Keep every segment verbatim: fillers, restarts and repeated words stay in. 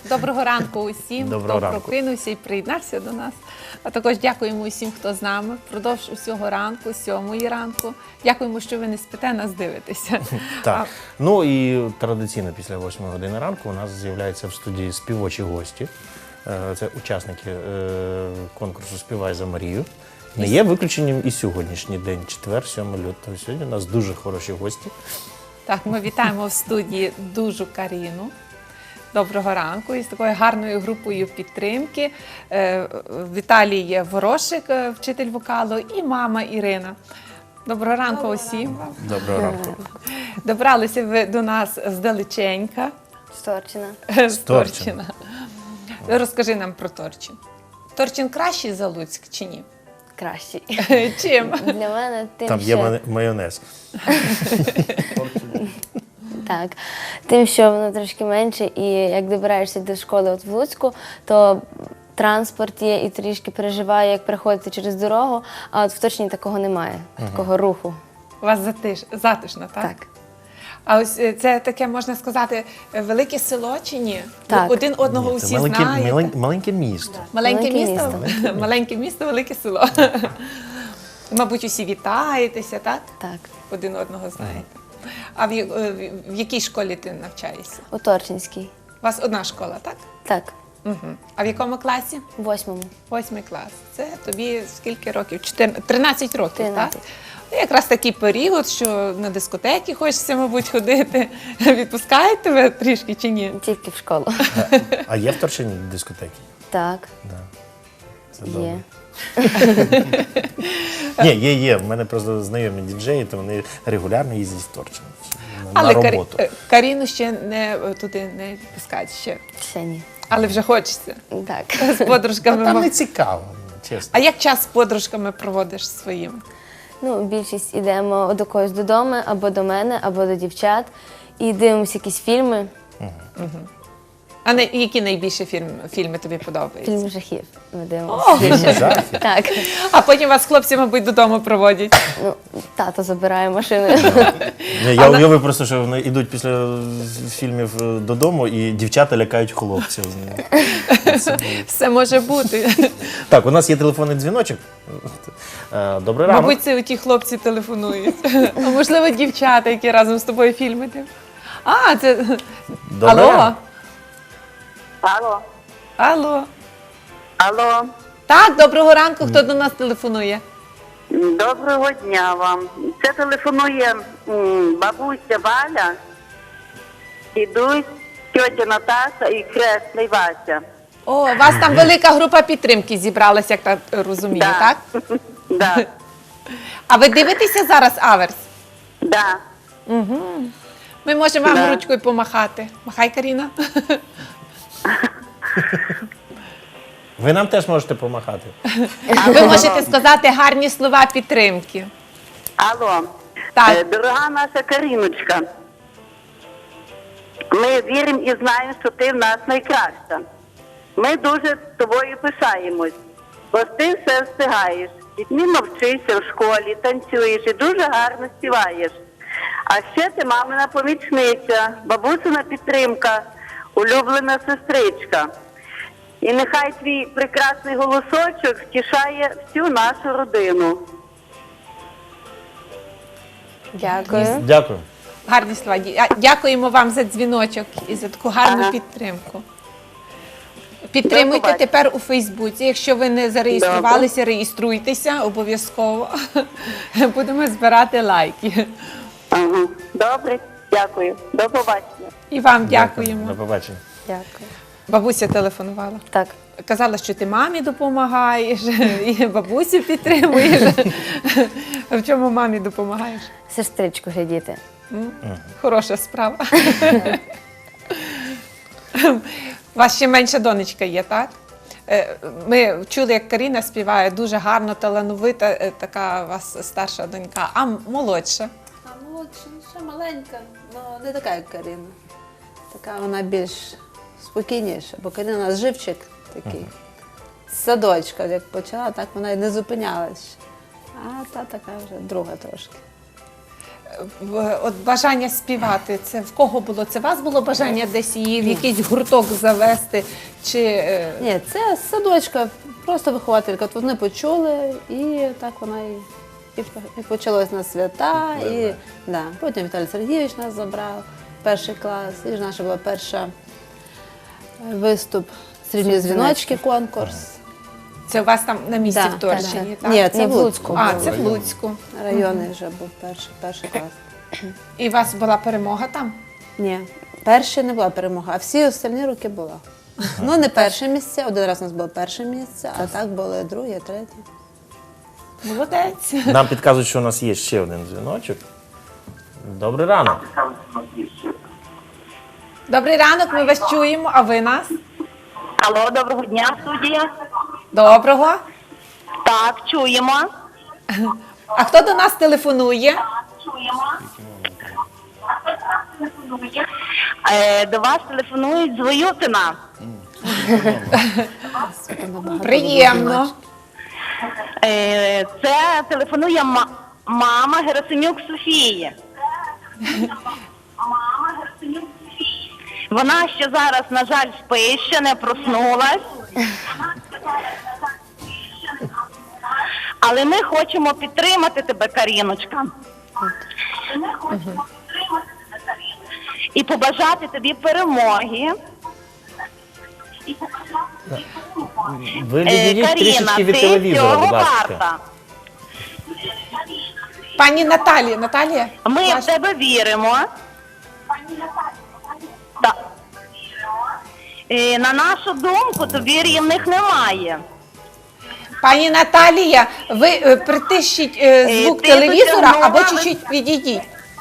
Доброго ранку усім, Доброго хто ранку. прокинувся і приєднався до нас. А також дякуємо усім, хто з нами впродовж усього ранку, сьомої ранку. Дякуємо, що ви не спите, нас дивитеся. Так. Ну і традиційно після восьмої години ранку у нас з'являються в студії співочі гості. Е, Це учасники е, конкурсу «Співай за Марію». Не є виключенням і сьогоднішній день, четвер, сьомого лютого. Сьогодні у нас дуже хороші гості. Так, ми вітаємо в студії Дужу Каріну. Доброго ранку. І з такою гарною групою підтримки. Е, Віталій Ворошик, е, вчитель вокалу, і мама Ірина. Доброго ранку Доброго усім. Доброго ранку. Добралися ви до нас здалеченька. З Торчина. З Торчина. Розкажи нам про Торчин. Торчин кращий за Луцьк чи ні? Кращий. Чим? Для мене тим, Там є що... май- майонез. Так. Тим, що воно трошки менше, і як добираєшся до школи от в Луцьку, то транспорт є і трішки переживає, як переходити через дорогу, а от в Торчині такого немає, такого руху. У вас затиш, затишно, так? Так. А ось е, це таке, можна сказати, е, велике село чи ні? Так. Ви один одного Ні, усі це маленьке, знаєте. малень- маленьке місто. Маленьке, Маленьке місто? місто. Маленьке місто, велике село. Мабуть, усі вітаєтеся, так? Так. Один одного знаєте. А в, я- е, в якій школі ти навчаєшся? У Торчинській. У вас одна школа, так? Так. Угу. А в якому класі? В восьмому. Восьмий клас. Це тобі скільки років? Чотирнадцять тринадцять років, тринадцять. так? Ну, якраз такий період, що на дискотеки хочеться, мабуть, ходити. Відпускають тебе трішки чи ні? Тільки в школу. А є в Торчині дискотеки? Так. Да. Це Є. добре. Ні, є, є. В мене просто знайомі діджеї, то вони регулярно їздять в Торчин на, Але на Карі- роботу. е, Каріну ще не е, туди не відпускають ще. Ще ні. Але вже хочеться. Так. З подружками. Там мав- не цікаво, чесно. А як час з подружками проводиш своїми? Ну, більшість йдемо до когось додому, або до мене, або до дівчат, і дивимося якісь фільми. А не, які найбільше фільм, фільми тобі подобаються? Фільми жахів ми дивимося. О, Фільми жахів? Так. А потім вас хлопці, мабуть, додому проводять. Ну, тато забирає машину. Ні, я уявив просто, що вони йдуть після фільмів е, додому і дівчата лякають хлопців. Це- Все може бути. Так, у нас є телефонний дзвіночок. Е, Добрий ранок. Мабуть, це ті хлопці телефонують. А можливо, дівчата, які разом з тобою фільми дивляться. А, це... Добрий Алло? ранок. Алло, Алло. алло, Так, доброго ранку. Хто до нас телефонує? доброго дня вам. Це телефонує м, бабуся Валя, дідусь, тьотя Наташа і хресний Вася. О, у вас там велика група підтримки зібралася, як так розумію, так? Да, А ви дивитеся зараз Аверс? да. Ми можемо вам Да. ручкою помахати. Махай, Каріна. Ви нам теж можете допомагати. Ви можете сказати гарні слова підтримки. Алло, Так. Е, дорога наша Каріночка, ми віримо і знаємо, що ти в нас найкраща. Ми дуже з тобою пишаємось, бо ти все встигаєш. Відмінно вчишся в школі, танцюєш і дуже гарно співаєш. А ще ти мамина помічниця, бабусина підтримка, улюблена сестричка. І нехай твій прекрасний голосочок втішає всю нашу родину. Дякую. Дякую. Гарні слова. Дя- Дякуємо вам за дзвіночок і за таку гарну Ага. підтримку. Підтримуйте побачення. тепер у Фейсбуці. Якщо ви не зареєструвалися, реєструйтеся обов'язково. Будемо збирати лайки. Ага. Добре, дякую. До побачення. І вам дякуємо. До побачення. Дякую. Бабуся телефонувала. Так. Казала, що ти мамі допомагаєш, і бабусю підтримуєш. В чому мамі допомагаєш? Сестричку глядіти. Хороша справа. У вас ще менша донечка є, так? Е, Ми чули, як Каріна співає, дуже гарно, талановита, е, така у вас старша донька, а молодша. А молодша, ну, ще маленька, але не така, як Каріна. Така вона більш спокійніша, бо Каріна у нас живчик такий. З садочка, як почала, так вона і не зупинялась. А та така вже друга трошки. в- от бажання співати, це в кого було? Це у вас було бажання десь її в якийсь гурток завести? Чи е, Ні, це з садочка, просто вихователька. От вони почули, і так вона і, і, і почалось на свята. І, да. Потім Віталій Сергійович нас забрав, перший клас, і ж наша була перша е, виступ «Срібні дзвіночки» конкурс. це у вас там на місці Да, в Торщині? так, Так? Ні, це Ні, в в Луцьку. А, був. це в Луцьку. Районний вже був перший, перший клас. І у вас була перемога там? Ні, перший не була перемога, а всі остальні роки була. Ну, не перше місце, один раз у нас було перше місце, а так були друге, третє. Молодець. Нам підказують, що у нас є ще один дзвіночок. Добрий ранок. Добрий ранок, ми вас чуємо, а ви нас? Алло, доброго дня, студія. Доброго. Так, чуємо. А хто до нас телефонує? Е, до вас телефонують з Воютина. Приємно. Е, це телефонує ма- мама Герасимюк Софії. Вона ще зараз, на жаль, спить, ще не проснулась. Але ми хочемо підтримати тебе, Каріночка. І побажати тобі перемоги. Ви Е, відійдіть Каріна, трішечки від ти телевізора, цього будь ласка. варта. Пані Наталія, Наталія? Ми ваш- в тебе віримо. Так. Е, на нашу думку, тобі рівних немає. Пані Наталія, ви е, притишіть е, Е, звук ти телевізора дотягнула, або ви- чуть-чуть відійдіть.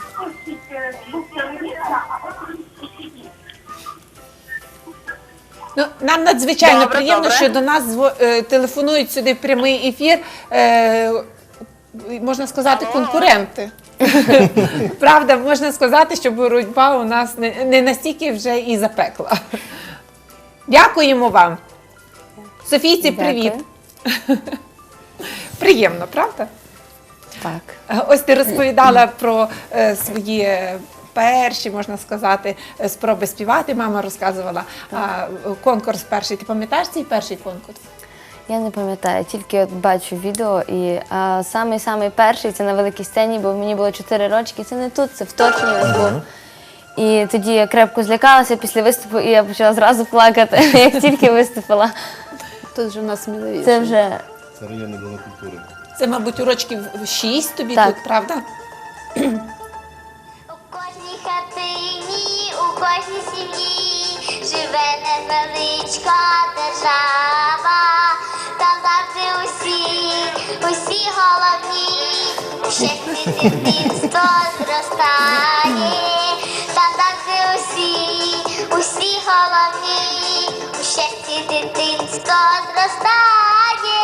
Ну, нам надзвичайно Добре, приємно, добре. що до нас зво- е, телефонують сюди в прямий ефір, е, можна сказати, конкуренти. Правда, можна сказати, що боротьба у нас не, не настільки вже і запекла. Дякуємо вам. Софійці, привіт. Дякую. Приємно, правда? Так. Ось ти розповідала про е, свої е, перші, можна сказати, е, спроби співати. Мама розказувала. А, е, конкурс перший. Ти пам'ятаєш цей перший конкурс? Я не пам'ятаю, тільки от бачу відео. І а, самий самий перший це на великій сцені, бо мені було чотири рочки. Це не тут, це в Торчині ось був. І тоді я крепко злякалася після виступу, і я почала зразу плакати, як тільки виступила. Тут вже в нас сміливіше. Це вже Це районний дом культури. Це, мабуть, у рочків шість тобі Так. тут, правда? У кожній хатині, у кожній сім'ї живе невеличка держава. Там завжди усі, усі головні, у щасті дитинство зростає. Там завжди усі, усі головні, у щасті дитинство зростає.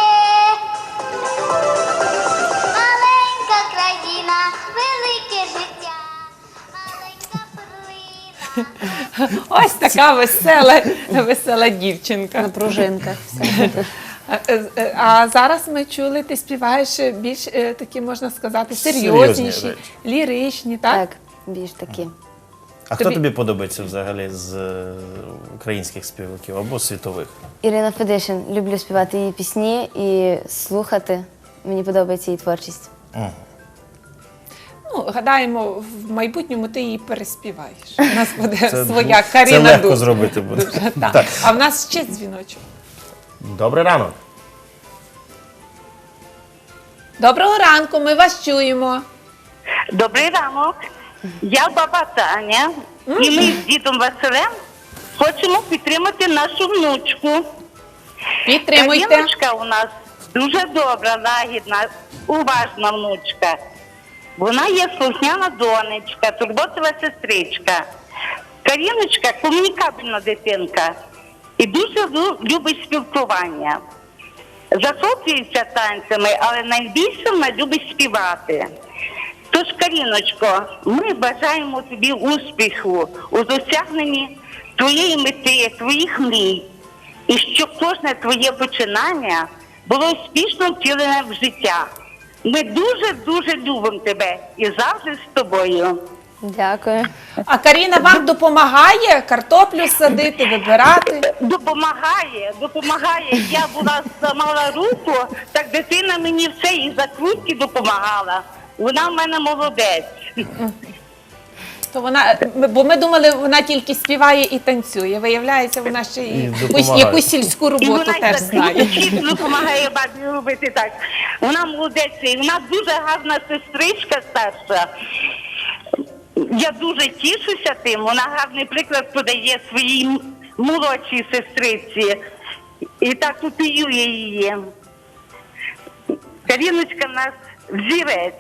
Маленька країна, велике життя, маленька перлина. Ось така весела, весела дівчинка. На пружинках все. А, е, е, А зараз ми чули, ти співаєш більш е, такі, можна сказати, Серйозні серйозніші, речі. ліричні, так? так, більш такі. А хто Тобі- тобі подобається взагалі з е, українських співаків або світових? Ірина Федишин. Люблю співати її пісні і слухати. Мені подобається її творчість. Ну, гадаємо, в майбутньому ти її переспіваєш. У нас буде Це, своя це Каріна легко Дуд. зробити буде. Дуже, так. Так. А в нас ще дзвіночок. Добрий ранок. Доброго ранку, ми вас чуємо. Добрий ранок. Я баба Таня. І ми з дідом Василем хочемо підтримати нашу внучку. Підтримуйте. Каріночка у нас дуже добра, лагідна, уважна внучка. Вона є слухняна донечка, турботова сестричка. Каріночка комунікабельна дитинка і дуже лю- любить спілкування. Захоплюється танцями, але найбільше вона любить співати. Тож, Каріночко, ми бажаємо тобі успіху у досягненні твоєї мети, твоїх мрій. І щоб кожне твоє починання було успішно втілене в життя. Ми дуже-дуже любимо тебе і завжди з тобою. Дякую. А Каріна вам допомагає картоплю садити, вибирати? Допомагає, допомагає. Я була зламала руку, так дитина мені все і закрутки допомагала. Вона в мене молодець. То вона, бо ми думали, вона тільки співає і танцює. Виявляється, вона ще І і якусь, допомагає. якусь сільську І роботу вона теж й знає. закрутки допомагає бабі робити так. Вона молодець, і вона дуже гарна сестричка старша. Я дуже тішуся тим. Вона гарний приклад подає своїй м- молодшій сестриці. І так копіює її. Каріночка в нас взірець.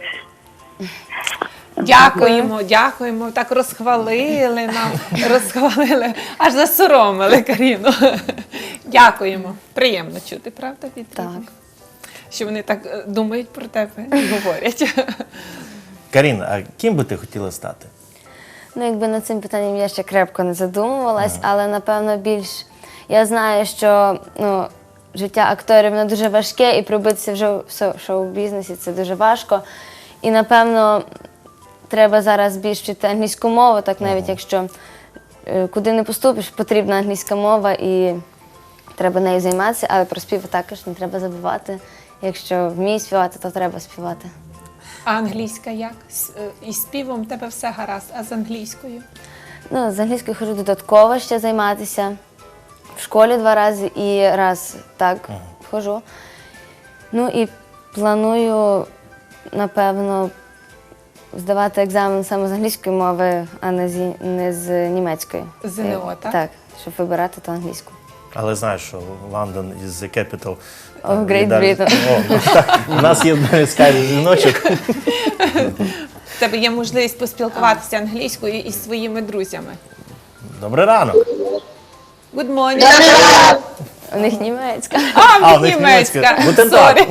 Дякуємо, дякуємо. Так розхвалили нам, розхвалили, аж засоромили Каріну. Дякуємо. Приємно чути, правда, від Так. рідних? Що вони так е, думають про тебе і говорять. Карін, а ким би ти хотіла стати? Ну, якби над цим питанням я ще крепко не задумувалась, але напевно більш я знаю, що ну, життя акторів воно дуже важке, і пробитися вже в шоу- шоу-бізнесі це дуже важко. І напевно треба зараз більш вчити англійську мову, так навіть якщо е, куди не поступиш, потрібна англійська мова і треба нею займатися, але про спів також не треба забувати. Якщо вмієш співати, то треба співати. А англійська як? З, е, із співом в тебе все гаразд, а з англійською? Ну, з англійською хожу додатково ще займатися. В школі два рази і раз так хожу. Ну і планую, напевно, здавати екзамен саме з англійської мови, а не з, не з німецької. ЗНО, Е, так? Так, щоб вибирати то англійську. Але знаєш, що Лондон is the capital Of Great Віддалі- Britain. О, ну, так. У нас є скайп дзвіночок. В тебе є можливість поспілкуватися англійською із своїми друзями. Добрий ранок. Good morning. У них німецька. А, А, в у них німецька. німецька. Guten Tag. Сорі.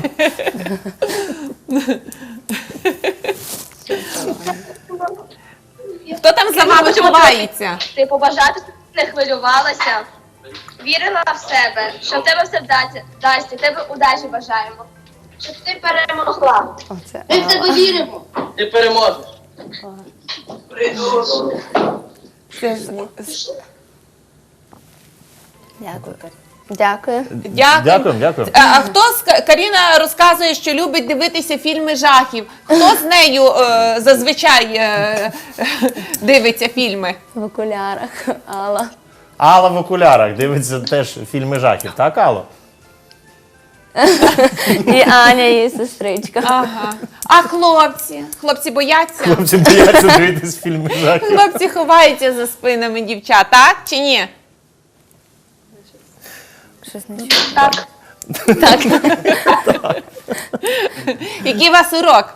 Хто там за вами ховається? Ти побажати, щоб ти не хвилювалася, вірила в себе, що в тебе все вдасться, вдасться, тебе удачі бажаємо, щоб ти перемогла. Оце. Ми в тебе віримо. Ти переможеш. Це ж- Дякую. Дякую. Дякую. Дякуємо, дякуємо. А, а хто з Ка- Каріна розказує, що любить дивитися фільми жахів? Хто з нею е, зазвичай е, дивиться фільми? В окулярах. Алла. Алла в окулярах дивиться теж фільми жахів, так, Алло? І Аня, її сестричка. Ага. А хлопці? Хлопці бояться? Хлопці бояться дивитись фільми жахів. Хлопці ховаються за спинами дівчат, так чи ні? Щось не чую. Так. Так. Який у вас урок?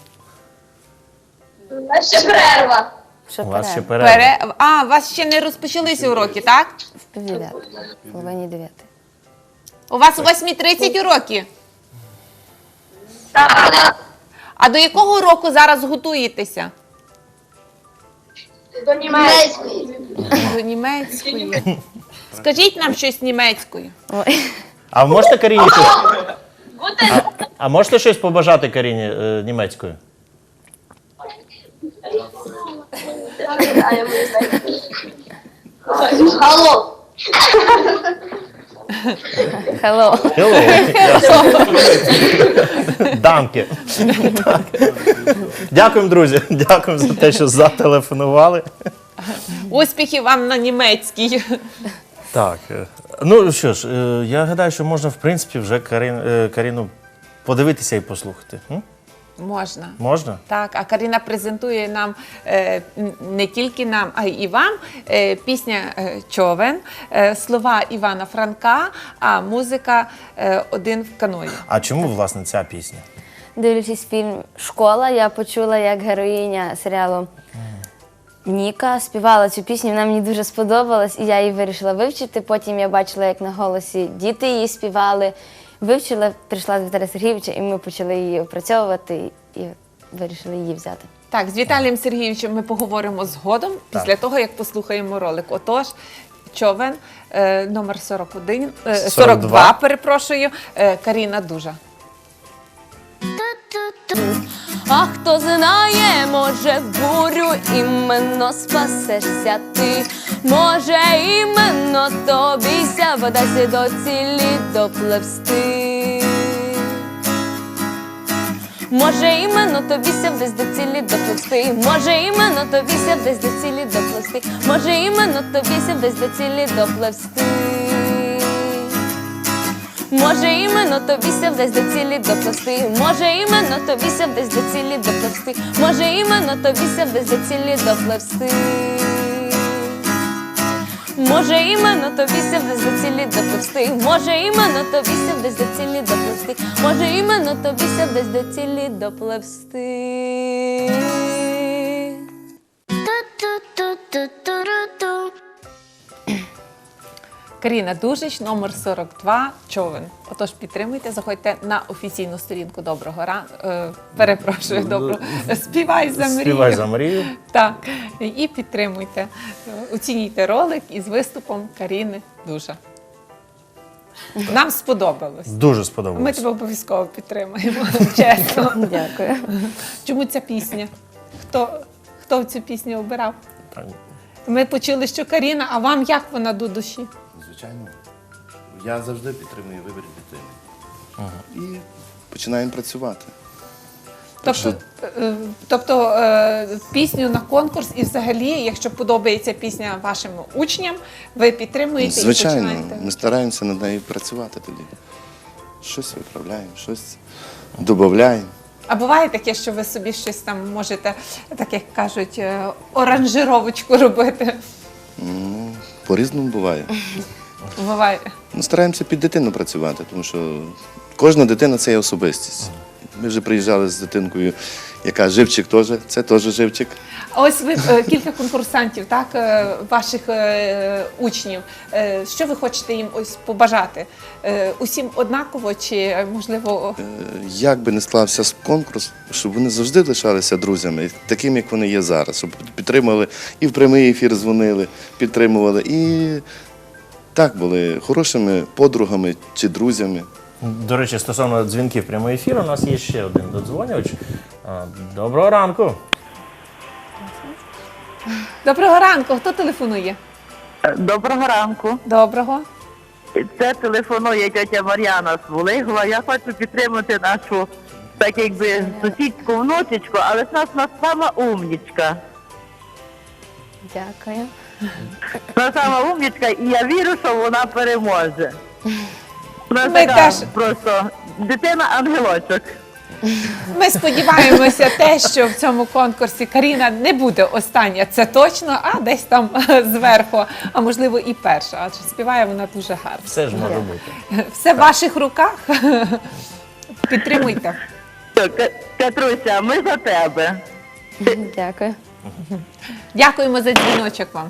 А ще перерва. Що У вас ще перерва? перерва. Пере... А, у вас ще не розпочалися уроки, так? В півдев'ятої. В половині дев'ятої. У вас о восьмій тридцять уроки. Так. А до якого уроку зараз готуєтеся? До німецької. До німецької. Скажіть нам щось німецькою. Ой. А можете Каріні щось, Бути а можете щось побажати Каріні е, німецькою? Алло. Hello. Hello. Данки. Так. Дякуємо, друзі. Дякуємо за те, що зателефонували. Успіхів вам на німецькій. Так. е, Ну що ж, е, я гадаю, що можна, в принципі, вже Карин, е, Каріну подивитися і послухати. М? Можна. Можна? Так, а Каріна презентує нам е, н- не тільки нам, а й і вам е, пісня е, Човен, е, слова Івана Франка, а музика е, один в каної. А чому, власне, ця пісня? Дивлячись фільм Школа, я почула, як героїня серіалу Ніка співала цю пісню. Вона мені дуже сподобалась, і я її вирішила вивчити. Потім я бачила, як на голосі діти її співали. Вивчила, прийшла до Віталія Сергійовича, і ми почали її опрацьовувати і вирішили її взяти. Так, з Віталієм Сергійовичем ми поговоримо згодом, після того, як послухаємо ролик. Отож, Човен, е, номер сорок один, е, сорок два, перепрошую, е, Каріна Дужа. Ту-ту-ту. А хто знає, може в бурю іменно спасешся ти. Може іменно тобіся вдасться до цілі допливсти. Може іменно тобіся десь до цілі допливсти. Може іменно тобіся десь до цілі допливсти. Може іменно тобіся десь до цілі допливсти. Може іменно тобіся десь до цілі допливсти. Може іменно тобіся десь до цілі допливсти. Може іменно тобіся десь до цілі допливсти. Може іменно тобіся десь до цілі допливсти. Може іменно тобіся десь до цілі допливсти. Може іменно тобіся десь до цілі допливсти. Ту-ту-ту-ту-ту-ру-ту. Каріна Дужич, номер сорок два, човен. Отож, підтримуйте, заходьте на офіційну сторінку Доброго ранку. Е, перепрошую, добро. Співай за мрію. Співай за Марію. Так, і підтримуйте. Оцінюйте ролик із виступом Каріни Дужа. Нам сподобалось. Дуже Ми сподобалось. тебе обов'язково підтримуємо, чесно. Дякую. Чому ця пісня? Хто, хто цю пісню обирав? Так. Ми почули, що Каріна, а вам як вона до душі? Звичайно. Я завжди підтримую вибір дитини. І починаємо працювати. Так Тобто, е, тобто е, пісню на конкурс і взагалі, якщо подобається пісня вашим учням, ви підтримуєте і Звичайно, починаєте? ми стараємося над нею працювати тоді. Щось виправляємо, щось додаємо. А буває таке, що ви собі щось там можете, так як кажуть, е, оранжировочку робити? Ну, по-різному буває. Буває. Ну, стараємося під дитину працювати, тому що кожна дитина – це є особистість. Ми вже приїжджали з дитинкою, яка живчик теж, це теж живчик. А ось ви е, кілька конкурсантів, так, е, ваших е, учнів. Е, що ви хочете їм ось побажати? Е, усім однаково чи, е, можливо, Е, Як би не склався конкурс, щоб вони завжди лишалися друзями, такими, як вони є зараз, щоб підтримували і в прямий ефір дзвонили, підтримували, і так були хорошими подругами чи друзями. До речі, стосовно дзвінків прямого ефіру, у нас є ще один додзвонювач. А, Доброго ранку. доброго ранку, хто телефонує? Доброго ранку. Доброго. Це телефонує тетя Мар'яна з Волигова. Я хочу підтримати нашу, так якби, сусідську внучечку, але ж нас вона сама умнічка. Дякую. Вона сама умнічка, і я вірю, що вона переможе. Вона Ми така теж. просто дитина-ангелочок. Ми сподіваємося те, що в цьому конкурсі Каріна не буде остання, це точно, а десь там зверху, а можливо і перша, адже співає вона дуже гарно. Все ж може бути. Все в ваших руках. Підтримуйте. Ка- Катруся, ми за тебе. Дякую. Дякуємо за дзвіночок вам.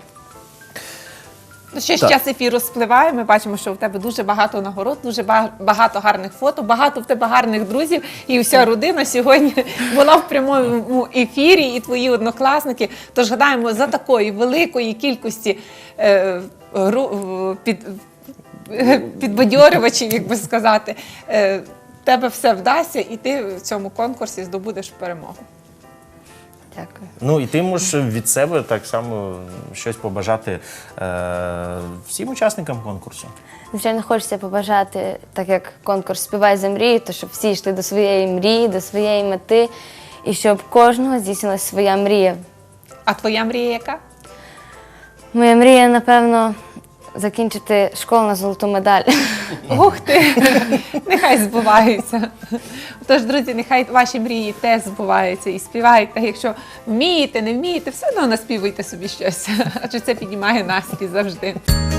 Ну, ще ж Так. час ефіру спливає, ми бачимо, що у тебе дуже багато нагород, дуже ба- багато гарних фото, багато в тебе гарних друзів, і вся родина сьогодні була в прямому ефірі, і твої однокласники. Тож гадаємо, за такої великої кількості е, гру- під, е, підбадьорювачів, як би сказати, е, в тебе все вдасться, і ти в цьому конкурсі здобудеш перемогу. Дякую. Ну і ти можеш від себе так само щось побажати е, всім учасникам конкурсу. Звичайно, хочеться побажати, так як конкурс «Співай за мрію», то щоб всі йшли до своєї мрії, до своєї мети, і щоб кожного здійснилась своя мрія. А твоя мрія яка? Моя мрія, напевно, закінчити школу на золоту медаль. Ух ти! Нехай збуваються. Тож, друзі, нехай ваші мрії теж збуваються і співайте. Якщо вмієте, не вмієте, все одно наспівуйте собі щось. Адже це піднімає настрій завжди.